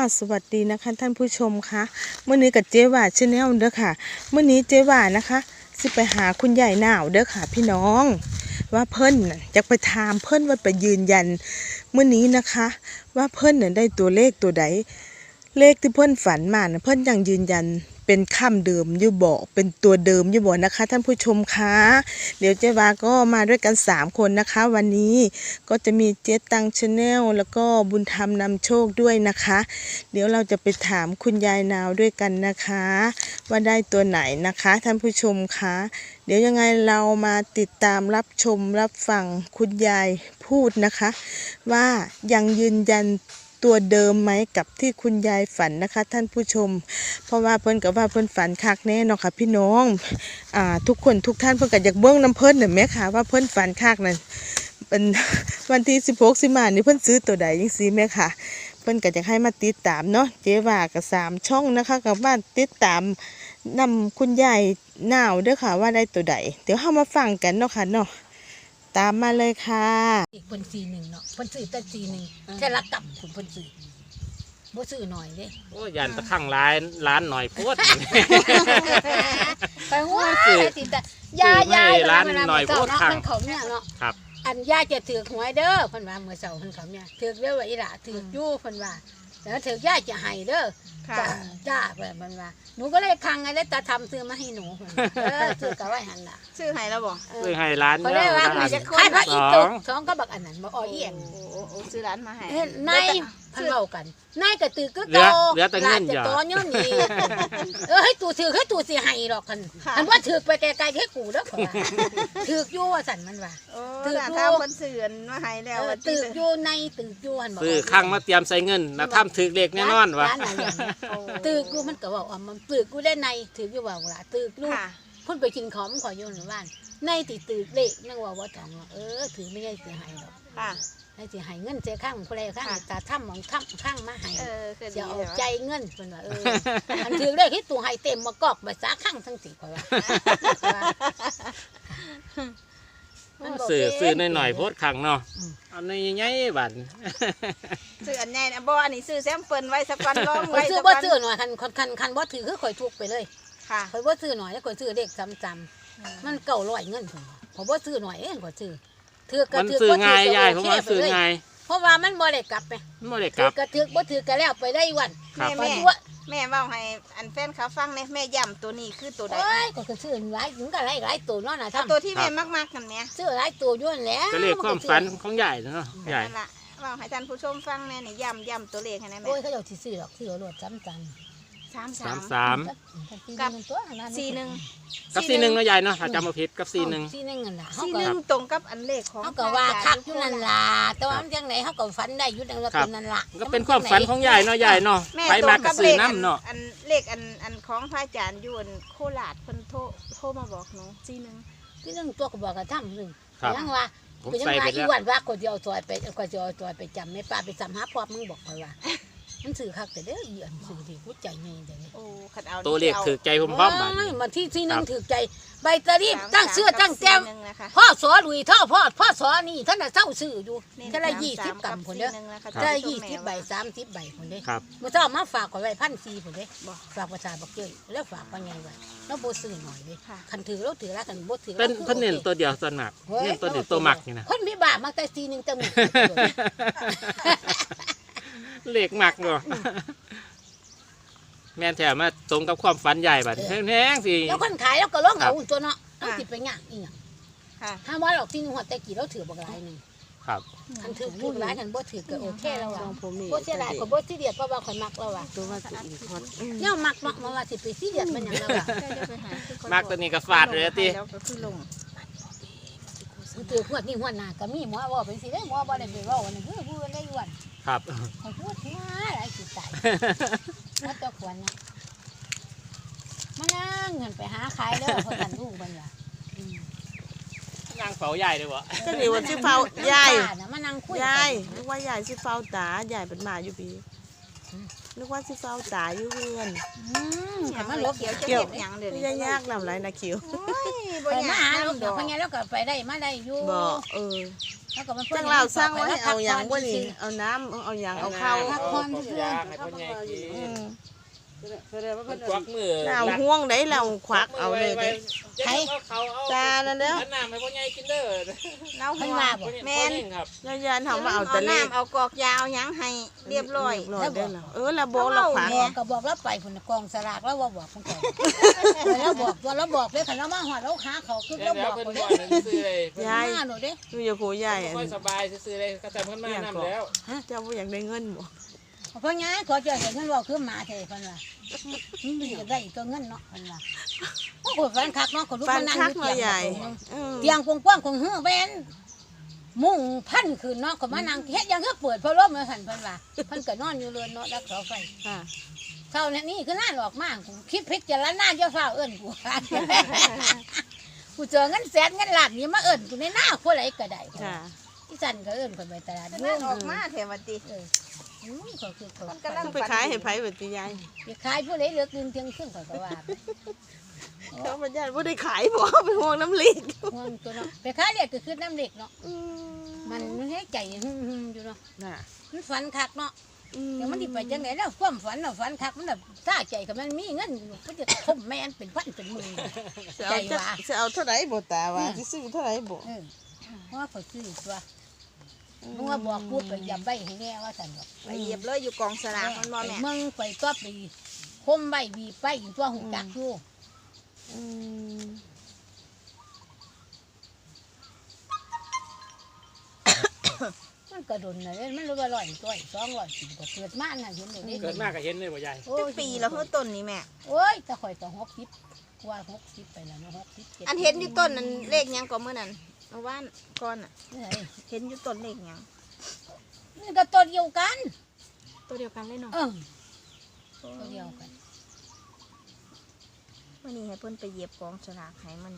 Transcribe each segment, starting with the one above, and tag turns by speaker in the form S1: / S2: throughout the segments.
S1: สวัสดีนะคะท่านผู้ชมคะเมื่อนี้กับเจ๊ว่าชาแนลเด้อค่ะเมื่อนี้เจ๊ว่านะคะสิไปหาคุณยายหนาวเด้อค่ะพี่น้องว่าเพิ่นอยากไปถามเพิ่นว่าไปยืนยันเมื่อนี้นะคะว่าเพิ่นได้ตัวเลขตัวใดเลขที่เพิ่นฝันมาเพิ่นยังยืนยันเป็นคำเดิมอยู่บ่เป็นตัวเดิมอยู่บ่นะคะท่านผู้ชมคะเดี๋ยวเจ๊วาก็มาด้วยกัน3คนนะคะวันนี้ก็จะมีเจ๊ตังชาแนลแล้วก็บุญธรรมนำโชคด้วยนะคะเดี๋ยวเราจะไปถามคุณยายนาวด้วยกันนะคะว่าได้ตัวไหนนะคะท่านผู้ชมคะเดี๋ยวยังไงเรามาติดตามรับชมรับฟังคุณยายพูดนะคะว่ายังยืนยันตัวเดิมไหมกับที่คุณยายฝันนะคะท่านผู้ชมเพราะว่าเพิ่นกับว่าเพิ่นฝันคักแน่เนาะค่ะพี่น้องทุกคนทุกท่านเพิ่นก็อยากเบิ่งน้ำเพิ่นน่ะแม่ค่ะว่าเพิ่นฝันคักนั่นเป็นวันที่16สิงหาคมนี่เพิ่นซื้อตัวใดจังซี่แม่ค่ะเพิ่นก็อยากให้มาติดตามเนาะเจ๊ว่าก็3ช่องนะคะกับบ้านติดตามนำคุณยายหนาวเด้อค่ะว่าได้ตัวใดเดี๋ยวเฮามาฟังกันเนาะค่ะเนาะตามมาเลยค่ะ
S2: อีกคน41เนาะคนซื้อแต่41แค่ละกับคุณคนซื้อบ่ซื้อหน่อยเด้
S3: โอ้ยันตะข้างร้านหน่อยโพด
S2: ไปว่าสิแต่ยายร้านหน่อยโพดข้างเขาเนี่ยเนาะ
S3: ครับ
S2: อันยายจะถือหวยเด้อเพิ่นว่าเมื่อเช้าเพิ่นเขาเนี่ยถือเด้อว่าอีหล่ะถืออยู่เพิ่นว่าแล้วถือยายจะให้เด้อจ้าแบบมันว่าหนูก็เลยคังไงแล้วตาทำซื้อมาให้หนูซื้อกะไว้หันล่ะ
S4: ซื้อให้แล้วบ่
S3: ซื้อให้ร้าน
S2: ก็ได้ว่ามันจะขายพระอีก2ก็บักอันนั้นบ่อ้อเอี่ยม
S4: ซื้อร้านมาให้
S2: นายเพิ่นเว้ากันนายก็ตือก็โต
S3: เหลือแต่เงิน
S2: โตย้อนนี่ให้ตู่ถือให้ตู่สิให้ดอกคันอันว่าถือไปไกลๆให้กูเด้อเพิ่นว่าถืออยู่ว่าซั่นมันว่า
S4: ถือถ้าเพิ่นซื้อมาให้แล้ว
S2: ถืออยู่ในถืออยู่หั่นบ่
S3: ซื้อข้างมาเตรียมใส่เงินนะทำถือเลขแน่นอนว่ะ
S2: ถืออยู่มันก็ว่าอ๋อมันถืออยู่ได้ในถืออยู่ว่าล่ะถือลูกเพิ่นไปกินของขออยู่ในบ้านในติถือเลขยังว่าบ่ต้องถือไม่ได้สิให้ดอก
S4: ค่ะ
S2: ให้สิให้เงินเจ้าข้างผู้ใดข้างตาถ้ำมองถ้ำข้างมาให้จะเอาใจเงินเพิ่นว่าอันถือเลขที่ตู่ให้เต็มมากอกใบสาข้างทั้ง4ข่อยว่า
S3: ซื้อหน่อยโพดข้างเนาะอันนี้ใหญ่บัด
S4: ซื้ออันใหญ่นะบ่อันนี้ซื้อแซมเปิลไว้สักวันร้องไว้
S2: ซื้อบ่ซื้อหน่อยคันบ่ถือคือข่อยทุกไปเลย
S4: ค่ะ
S2: ข่อยบ่ซื้อหน่อยแล้วข่อยซื้อเลขซ้ำๆมัน900เงินเพิ่นว่าข่อยบ่ซื้อหน่อยข่อยซื้อ
S3: มันซื้อง่ายยายผมว่าซื้อง่าย
S2: เพราะว่ามันบ่ได้กลับไป
S3: บ่ได้กลับ
S2: ก็ถือบ่ถือก็แล้วไปได้วัน
S4: แม่เว้าให้อันแฟนเขาฟังเนี่ยแม่ย้ำตัวนี้คือตัวใด
S2: ก็คือซื้อหลายถึงก็หลายตัวเนาะน่ะ
S4: ตัวที่แม่มากๆกันแม่
S2: ซื้อหลายตัวอยู่นั่นแหละ
S3: ก็เลขความฝันของยายเนาะยาย
S4: นั่นล่ะเว้าให้ท่านผู้ชมฟังแม่นี่ย้ำตัวเลขให้แม่
S2: โอ้ยเขาเจ้าสิซื้อดอกซื้อรถซ้ำ
S3: 33
S4: กับ41
S3: กับ41เนาะยายเนาะถ้าจำบ่ผิดกับ41
S2: นั่นล่ะ
S4: 41ตรงกับอันเลขของ
S2: เฮาก็ว่าคักอยู่นั่นล่ะแต่ว่ามันจังได๋เฮาก็ฝันได้อยู่นั่นว่าเป็นนั่นล่ะ
S3: ก็เป็นความฝันของยายเนาะยายเนาะไปมาก็ซื้อน้ำเนาะ
S4: อันเลขอันของพระอาจารย์อยู่โคราชเพิ่นโทรมาบอกหนู
S2: 41ตัวก็บอกก็ทำนึงยังว่าก็ยังว่าอีวันว่าก็สิเอาซอยไปจำแม่ป้าไปจำหาพ่อมึงบอกค่อยว่ามันซื้อคักแต่เด้ออีอันซื้อที่หัวใจใหญ่จังนี่
S3: ตัวเลขถือใจผมพร้อมบัด
S2: มันที่1ถือใจใบตะรีบตั้งเสื้อตั้งแก้มพ่อสอลุยท่อพ่อสอนี่ท่านน่ะเซาซื้ออยู่ท่านละ20กำพุ่นเด้อท่านละ20ใบ30ใบพุ่นเด้มื้อเช้ามาฝากข่อยไว้1,400พุ่นเด้ฝากประชาบักเจ้ยแล้วฝากว่าไงว่าแล้วบ่ซื้อหน่อยเด้คันถือแล้วถือแล้วคันบ่ถือ
S3: เป็นเพิ่นเน้นตัวเดียวส่วนมากเน้นตัวเดียวตัวมักนี่นะ
S2: คนมีบ้ามาแต่41จัง
S3: เลขมักเนาะแม่นแถมมาตรงกับความฝันใหญ่บัดแพงๆสิ
S2: แล้วคนขายแล้วก็ร้องเอาตัวเนาะต้องสิไปย่างอีหยังถ้าว่าหรอกที่นึงหัวแต่กี่แล้วถือบักหลายนึง
S3: ครับ
S2: คันถือพูดหลายคันบ่ถือก็โอเคแล้วว่ะบ่เสียดายก็บ่สิเดียดเพราะว่าข่อยมักแล้วว่ะ
S4: ตัวว่าสิอีกฮอด
S2: แนวมักเนาะว่าสิไปสิเดียดมันหยังแล้วว่ะ
S3: มักตัวนี้ก็ฟาดเลยติ
S4: แล้วก็คือลง
S2: ถือขวดนี่หัวหน้าก็มีหมอว่าเป็นสิได้หมอบ่ได้ไปเว้าอันนั้นคือผู้ได้อ้วน
S3: ครับ
S2: ข่อยพูดมาหลายสิตายมาตะขวัญนะมานั่งเงินไปหาขายเด้อเพราะกันลูกมันล่ะ
S3: นั่งเฝ้าใหญ่เลยบ่
S1: ก็นี่ว่าสิเฝ้ายาย
S2: มานั่งคุย
S1: ยายนึกว่ายายสิเฝ้าตายายเป็นหมาอยู่ปีนึกว่าสิเฝ้าตาอยู่เฮือน
S2: มันลบ
S4: เขียวหยังเด้อย
S1: ายากนำไรนะคิว
S4: บ่
S2: ไป
S4: ยา
S2: มาหาก ลูก
S4: นำ
S2: เดี๋ยวพญาแล้วก็ไปได้มาได้อยู่
S1: บ่
S2: แล้วก็มัน
S1: จังเราสร้างไว้ให้เอาหยังบ่นี่เอาน้ำเอาหยังเอาข้าว
S3: พักผ่อนยาให้พ่อใหญ่กินมันควักมือ
S1: เอาห่วงได้เราควักเอาเลยเด้
S3: ใช้เขาเอา
S1: ตานั่นเด้อ
S3: อันน้ำให้พ่อใหญ่กินเด้อ
S4: เรา
S2: เพิ่
S4: หั
S2: น
S4: ว
S2: ว่าบ่
S4: แม่น
S3: ครับ
S1: ยานๆเฮามาเอา
S4: เอา
S1: แต่เลข
S4: น้ำเอากอกยาเอาหยังให้เรียบร้อย
S1: เด้อเราบอกเราขวาง
S2: บอกก็บอกแล้วไปพุ่นกองสลากแล้วว่าบอกเพิ่นก่อนแล้วบอกตัวแล้วบอกเลยคันเรามาฮอดแล้วหาเขาคือ
S3: แล้
S2: แล้ว วบอก
S3: เพิ่น
S2: เพิ่น
S3: บ่
S2: เด้
S3: ซื้อเลย
S1: ยาย
S2: มาหนูเด้
S1: อยู่อย่าโคใหญ่
S3: ค่อยสบายซื้อเลยก็แต่เพิ่นมานำแล้ว
S1: เจ้าบ่อยากได้เงินบ่
S2: เพราะงั้นขอเจอเห็นเพิ่นว่าคือหมาแท้เพิ่นว่ามันจะได้ตัวเงินเนาะเพิ่นว่าโอ้โหแฟนคักเนาะก็ลุก
S1: ฟั
S2: มาน นั่ง
S1: คัก
S2: อยู่
S1: เนาะ
S2: เตียง
S1: ใหญ่
S2: เตียงกว้างๆของเฮือแว่นมุ่งพันขึ้นเนาะก็มานั่งเฮ็ดหยังคือเปิดพัดลมมาสั่นเพิ่นว่าเพิ่นก็นอนอยู่เรือนเนาะแล้วเสาไฟ
S1: ค่ะ
S2: เท่านี้คือน่าหลอกมากกูคิดพิจารณาจะฟ้าเอิ้นกู กูเจอเงินแสนเงินล้านนี่มาเอิ้นกูในหน้าผู้ใดก็ได้
S1: ค่ะ
S2: ที่สั่นก็เอิ้นคนไปตลาด
S4: นั่
S2: ยุ่
S4: น
S2: ง
S4: ออกมาแถวติ
S2: ก็คือเขา
S4: มันกำลัง
S1: ไปขายให้ไผบัดนี้ยาย
S2: ไปขายผู้ใดเลือกเงินเที่ยงคืนข่อยก็ว่า
S1: เขาบ่ญาติบ่ได้ขายบ่ไปห่วงน้ำเล็ก
S2: ห่วงตัวเนาะไปขายเด็กก็คือน้ำเด็กเนาะมันให้ใจหึ่มๆอยู่เนาะ
S1: น่ะ
S2: มันฝันคักเนาะเดี๋ยวมันสิไปจังไดแล้วความฝันน่ะฝันคักมันน่ะซ่าใจก็มันมีเงินมันจะทมแม่นเป็นพันเป็นหมื่น
S1: จะเอาเท่าไหร่บ่ตาว่าสิซื้อเท่าไหร่บ่
S2: เพราะว่าเขาซื้อตัวมึงว่าบอกพูดไปยำใบให้แน่ว่าสั่นบอก
S4: ไปเหยียบเลยอยู่กองสลากมันบ่แม่
S2: มึงไปตัวไปคมใบบีไปตัวหูจักอยู่
S1: อืม
S2: มันกระโดดน่ะมันรู้ว่า100ตัว200ก็เกิดมาน่ะเห็นเลย
S3: เกิดมากก็เห็นเลยบ่ใหญ่
S4: จักปีแล้วเพิ่นต้นนี่แม่
S2: โอ้ยแต่ข่อยก็60กว่า60ไปแล้วเนาะ60
S4: อันเห็นอยู่ต้นนั้นเลขหยังก็มื้อนั้นเมื่อวานก่อนน่ะ
S2: นี่
S4: เห็นอยู่ต้นเลขหยัง
S2: นี่ก็ตัวเดียวกัน
S4: ตัวเดียวกันเลยเนาะ
S2: ตัวเดียวกัน
S4: วันนี้ให้เพิ่นไปเหยียบกองสลากให้มัน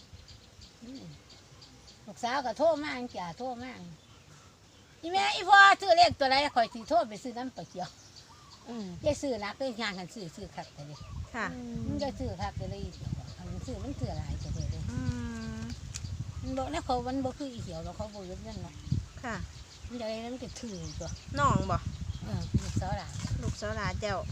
S2: ลูกสาวก็โทรมาจ้าโทรมาอีแม่อีพ่อซื้อเลขตัวใดข่อยสิโทรไปซื้อน้ำปลาเขียว ยายซื้อนักเลยงานกันซื้อคักแต่เลย
S4: ค่ะ
S2: มันจะซื้อคักแต่เลยมันซื้อหลายแต่เลย
S4: อืม
S2: มันบอกนะเขามันบอกคืออีเขียวเราเขาบอกเรื่องนั้นเนาะ
S4: ค่ะ
S2: มันจะอะไรนั้นก็ถือตัว
S4: น้องบ่
S2: ลูกสาวหลาน
S4: ลูกสาวหลานเจ้า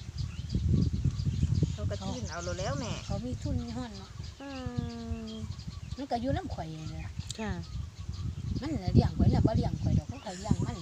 S4: เขาก็ทิ้นเอาโลดแล้วแม่
S2: เขามีทุนมีห้อนเนาะ
S4: อืม
S2: มันก็อยู่น้ำข่อยเลย
S1: ค่ะ
S2: มันเลี้ยงข่อยน่ะบ่เลี้ยงข่อยดอกเขาเลี้ยงมัน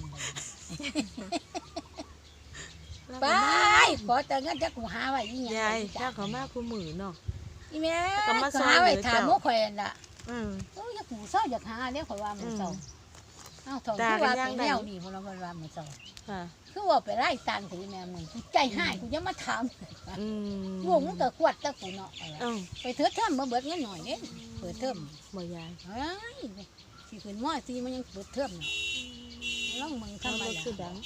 S2: ไปขอแต่เงินจะกูหาไว้ยี่
S1: ยายถ้าเขามาคู่มือเนาะ
S2: อีแม่
S1: ก็มาซอย
S2: หาไว้
S1: เหลือ
S2: ถาม
S1: เจ้า
S2: มุกข่อยน่ะ
S1: อืม
S2: โอ้ยอยากกูเศร้าอยากหาเนี่ยข่อยว่ามันเศร้าเอ้าถอดที่ว่าเป็นแนวนี่พวกเราว่ามันเศร้า
S1: ค่ะ
S2: คือว่าไปไล่ตันกูแม่มึงกูใจหายกูยังมาถาม
S1: อืม
S2: วงมันก็ขวดตะกูเนาะ
S1: เอ้า
S2: ไปเถิดเทิมมาเบิดเงินหน่อยเด้เปิดเทิม
S1: บ่ยาย
S2: เฮ้ยสิขึ้นมอซีมันยังเปิดเทิมเนาะลองมึง
S1: ทำ
S2: ทำ
S1: ไม
S2: มา
S1: คือดัง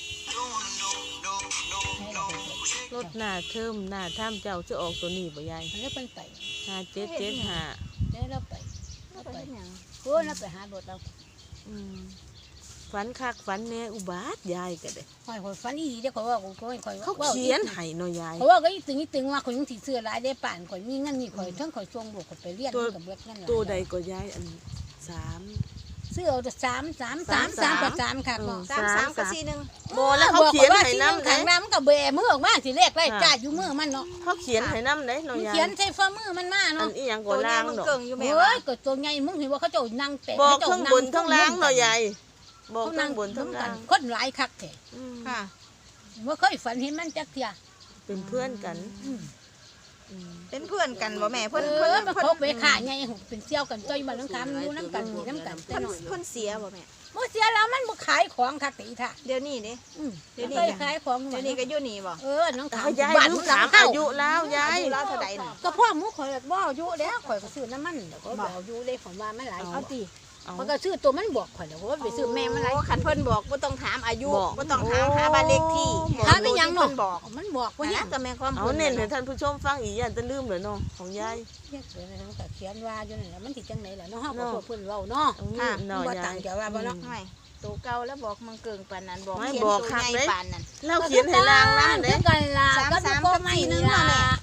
S2: ให้เราไปเปิด
S1: รถหน้าเทิมหน้าถ้ำเจ้าจะออกตัวนี้บ่ยาย
S2: แล้วเป็นไป
S1: 5775
S2: แล้วเราไป
S4: แล้วไปเฮ็ดหยัง
S2: โอ้เราไปหารถเรา
S1: อืมฝันคักฝันแน่อุบาทยายก็ได้
S2: คอยฝันอีเด้คอยว่าคอย
S1: เขาเขียนให้เนาะยาย
S2: เขาว่าก็อีตึงว่าคอยยังสิซื้อหลายได้ป่านคอยมีเงินนี่คอยทั้งคอยส่งลูกคอยไปเรียนกับเบิดเงิน
S1: ตัวใดก็ยายอัน3
S2: ซื้อเอา3ค่ะก็
S4: 33กับ41
S1: บ่แล้วเขาเขียนให้นำ
S2: ขังน้ำกับแบมือออกมาสิเลขไล่จ่าอยู่มือมันเนาะ
S1: เขาเขียนให้นำเด้เนาะ
S2: มัน
S1: ยาย
S2: เขียนใส่ฝ่ามือมันมา
S1: อั
S2: เนาะ
S1: นอีหยัง
S4: ตั
S1: ก็
S4: วนี้
S1: ล่าง
S4: มัน
S1: ดอก
S4: เกิ่งอยู่แม่
S2: โอ้
S4: ว่าย
S2: ก็ตัวใหญ่มึงเห็นว่าเขาเจ้านั่งแปะ
S1: บอกทั้งบนทั้งล่างเนาะยายบอก
S2: เขา
S1: ทั้
S2: นั่
S1: ง
S2: ง
S1: บนทั้งล่าง
S2: คนหลายคักแท้
S1: อืม
S4: ค่ะ
S2: เมื่อเคยฝันเห็นมันจักเทีย
S1: เป็นเพื่อนกัน
S4: เป็นเพื่อนกันบ่แม่เพิ่น
S2: เอ
S4: เพิ่น
S2: อมัน
S4: เพิ่น
S2: เขาไปขาไงเป็นเซี่ยวกันจ้อยบ้านน้ำคำอยู่น้ำกันแต่หน่อย
S4: เพิ่นเสียบ่แม่
S2: เมื่อเสียแล้วมันบ่ขายของคักตีท่า
S4: เดี๋ยวนี้เด้
S2: เดี๋ยวนี้ขายของ
S4: เดี๋ยวนี้ก็อยู่นี่บ่
S2: น้องขาว
S1: เอายาย
S2: บ้าน
S1: ลื
S2: มึ
S1: ม
S2: ง
S1: ถาม
S2: เข้า
S1: อายุแล้วยาย
S4: อายุเราเท่าใดน่ะ
S2: ก็พ่อหมูข่อยบ่อายุแล้วข่อยก็ซื้อน้ำมันแล้วก็บ่อายุเลยผมว่ามันหลาย
S4: เอาติ
S2: ข่อยก็ซื้อตัวมันบอกข่อยแล้วว่าไปซื้อแม่มันหลาย
S4: โอ้คันเพิ่นบอกบ่ต้องถามอายุ
S1: บอก
S4: บ่ต้องถามหาบ้านเลขที่
S2: ถามไปยัง
S4: เพิ่
S2: เนาะ
S4: นบอก
S2: มันบอกว่า
S4: ว่า
S2: เนี่
S4: เนี่ย ยก็แม่ความ
S1: เอาเน้นให้ท่านผู้ชมฟังอีกอย่างจะลืมเลยเนาะของยาย
S2: เขียนอะไรมันก็เขียนว่าอยู่นั่นแหละมันสิจังไหนล่ะเนาะเฮาก็พวกเพิ่นเว้าเนาะ
S1: ตรงนี้เนาะ
S2: บ่
S1: ยา
S2: ต่าง
S1: ย
S2: จากว่าบ่เนาะ
S4: ไม่ตัวเก่าแล้วบอกมังเกิงปานนั้นบอก
S1: ไม่
S4: เขียน
S1: บอก
S4: ตัว
S1: คัก
S4: ใหญ่
S1: เด้
S4: ปานนั้น
S1: เราเขียนให้ล่างนะเด้
S2: กันล่ะก็พ่อไม่นี่ล่ะ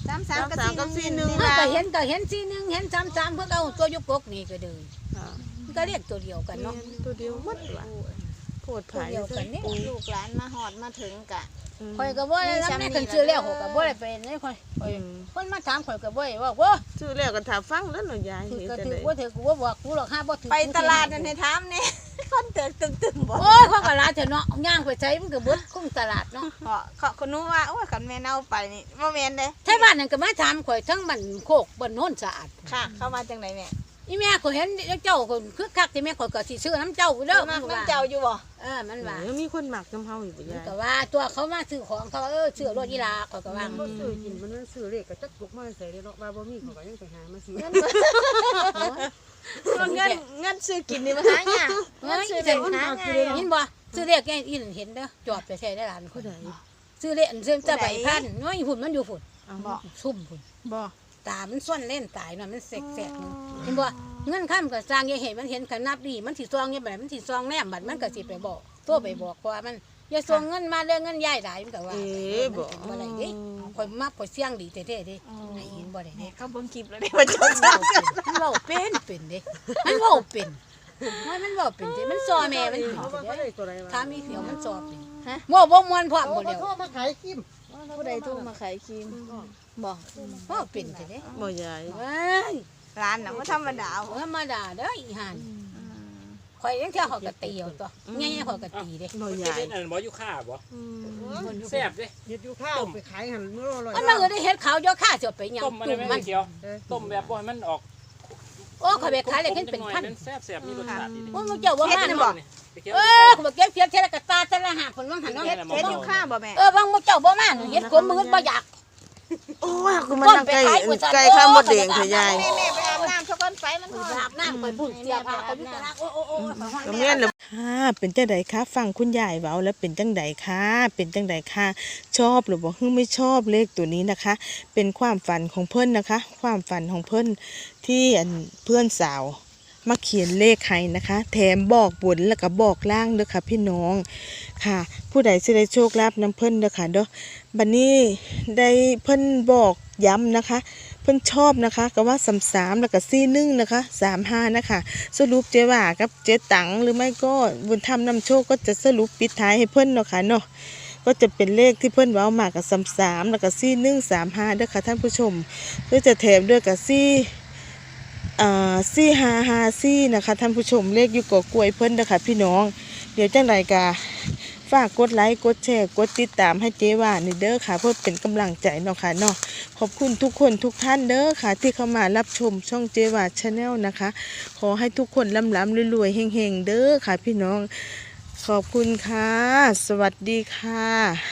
S4: 33
S1: 33กับ41
S2: ก็เห็นสีหนึ่งเห็น33เพิ่นเอาตัวยุกกกนี่ก็เด้อ
S1: ค่ะ
S2: มันก็เรียกตัวเดียวกันเนาะ
S1: ตัวเดียวหมดว่ะโพดไผ
S2: ตัวเดียวกันนี่
S4: ลูกหลานมาหอดมาถึงกะ
S2: ข่อยก็บ่ได้รับแม่กันซื้อแล้วข่อยก็บ่ได้ไปนี่ข่อยคนมาถามข่อยก็บ่ได้ว่าโอ้
S1: ชื่อแล้วก็ถ้าฟังแล้วเนาะยาย
S2: ถือ
S1: เฮ็ด
S2: ก็
S1: จัง
S2: ถือ
S1: ได๋
S2: บ่ถือกูบ่บอกกูหรอกห้าบ่ถือ
S4: ไปตลาดนั่นให้ถามแน่ คนเติกตึมๆบ่
S2: โอ้ยเขาก็ลาเถอะเนาะย่างไปใช้มันก็เบิดคุ้มตลาดเนาะ
S4: เขาคนนู้ว่าโอ้ยคันแม่เน่าไปนี่บ่แม่นเด้
S2: ไทบ้านนั่นก็มาถามข่อยทั้งบ้านโคกบ้านโน้นสะอาด
S4: ค่ะ เข้ามาจังไดแม่
S2: อีแม่ก็เห็นเจ้าก็คึกคักที่แม่ข่อยก็สิซื้อน้ำเจ้าเด้อ
S4: มักน้ำเจ้าอยู่บ่
S2: มันว่า
S1: ยังมีคนมักนำเฮาอยู่บ่
S2: มัน
S1: ยาย
S2: ก็ว่าตัวเขามาซื้อของเขาซื้อรถยีราข่อยก็ว่า
S5: บ่ซื้อกินมันซื้อเลขก็จักลุกมาใส่ได้เนาะว่าบ่มีเขาก็ยังไปหามาซื้อ
S4: เงินซื้อกินนี่มาหายาก
S2: เงินซื้อได้หาเห็นบ่ซื้อเลขแกอีนเห็นเด้อจอดไปใช้ได้หลานคนใดซื้อเลขซื้อจะใบพันน้อยหุ่นมันอยู่ฝุ่น
S4: บ่
S2: ซุ่มฝุ่น
S4: บ่
S2: ตามันส่วนเล่นตายเนาะมันแสกๆนึงเห็นบ่เงินค้ำก็สร้างอย่าเห็นมันเห็นขนับดีมันสิซองอย่างแบบมันสิซองแนมบัดมันก็สิไปบอกตัวไปบอกเพราะว่ามันอย่าส่งเงินมาเรื่องเงินยายหลายมันก็ว่าบ่ได้เด้ข่อยมักข่อยเสี่ยงดีแท้ๆเด้ให้เห็นบ่ได้เด้
S4: เขาเบิ่งคลิปแล้วเด้ว่าจดจ้า
S2: มันเว้าเป็นเด้มันเว้าเป็นมันเว้าเป็นเด้มันซอแม่มันเป็น
S5: เขาว่า
S2: เด้
S5: ได้ตัวใดวะ
S2: ถ้ามีเสียวมันซอเป็นบ่ม่วนพร้อมบ่แล้ว
S5: โทรมาขายคิม
S4: ผู้ใดโทรมาขายครีมบ่
S2: เว้าเป็นเด้
S1: บ่ยาย
S2: เว้ย
S4: ร้านน่ะบ่ธรรมดาบ่
S2: ธรรมดาเด้ออีห่านข่อยยังเที่ยวเขาก็ตีเอาตัวใหญ่ๆเขาก็ตีเด้
S1: บ่
S3: มัน
S1: ยา
S3: เป็
S1: ย
S3: นอันบ่อยู่ค่าบ่แซ่บเด้
S5: เฮ็ดอยู่ข้าวไปขายหั่นมื้อละ
S2: มันมาได้เฮ็ดขาวย่อข้าสิเอาไปหยัง
S3: ต้มมัน
S2: จุ่ม
S3: ไม่
S2: มัน
S3: เกี่ยวต้มแบบบ่ให้มันออก
S2: โอ้ข่อยไปขายเลยเห็นเป็นพัน
S3: แซ่บๆมีรสชาติดี
S2: โอ้มึงเจ้าบ่มา
S3: ๆ
S2: บ่
S3: ไปเกี่ยว
S2: ข่อยบ่เก็บเพียบเท่าละกะตาเท่าละหาคนว่างหันเนาะ
S3: เฮ็
S4: เฮ็ดอยู่ข้างบ่แม่
S2: บางมึงเจ้าบ่มาเฮ็ดคนมึงบ่อยาก
S1: โอ้ยคือมันนั่งไก่ข้าวมดแดงเถอะยาย
S4: แม่ไปอาบน้ำซะก่อนไฟมันร้อน
S2: อาบน้ำข่อยพุ่นเสียผ้าข่อยมีแต่ละโอ้
S1: ก็แม่นแล้วค่ะเป็นจังไดคะฟังคุณยายเว้าแล้วเป็นจังไดคะเป็นจังไดคะชอบหรือบ่ไม่ชอบเลขตัวนี้นะคะ เป็นความฝันของเพิ่นนะคะ ความฝันของเพิ่นที่เพื่อนสาวมาเขียนเลขให้นะคะ แถมบอกบนแล้วก็บอกล่างเด้อค่ะพี่น้องค่ะ ผู้ใดสิได้โชคลาภนำเพิ่นเด้อค่ะเด้อบัดนี้ได้เพิ่นบอกย้ำนะคะ เพิ่นชอบนะคะก็ว่า33แล้วก็41นะคะ35นะคะสรุปเจ๊ว่ากับเจ๊ตังหรือไม่ก็บุญธรรมนำโชคก็จะสรุปปิดท้ายให้เพิ่นเนาะค่ะเนาะก็จะเป็นเลขที่เพิ่นเว้ามากับ33แล้วก็4135เด้อค่ะท่านผู้ชมเพื่อจะแถมด้วยกับ4554นะคะท่านผู้ชมเลขอยู่กอกล้วยเพิ่นเด้อค่ะพี่น้องเดี๋ยวจังไดกะฝากกดไลค์กดแชร์กดติดตามให้เจ๊ว่านี่เด้อค่ะเพื่อเป็นกำลังใจเนาะค่ะเนาะขอบคุณทุกคนทุกท่านเด้อค่ะที่เข้ามารับชมช่องเจ๊ว่าชาแนลนะคะ ขอให้ทุกคนร่ำๆรวยๆเฮงๆเด้อค่ะพี่น้องขอบคุณค่ะสวัสดีค่ะ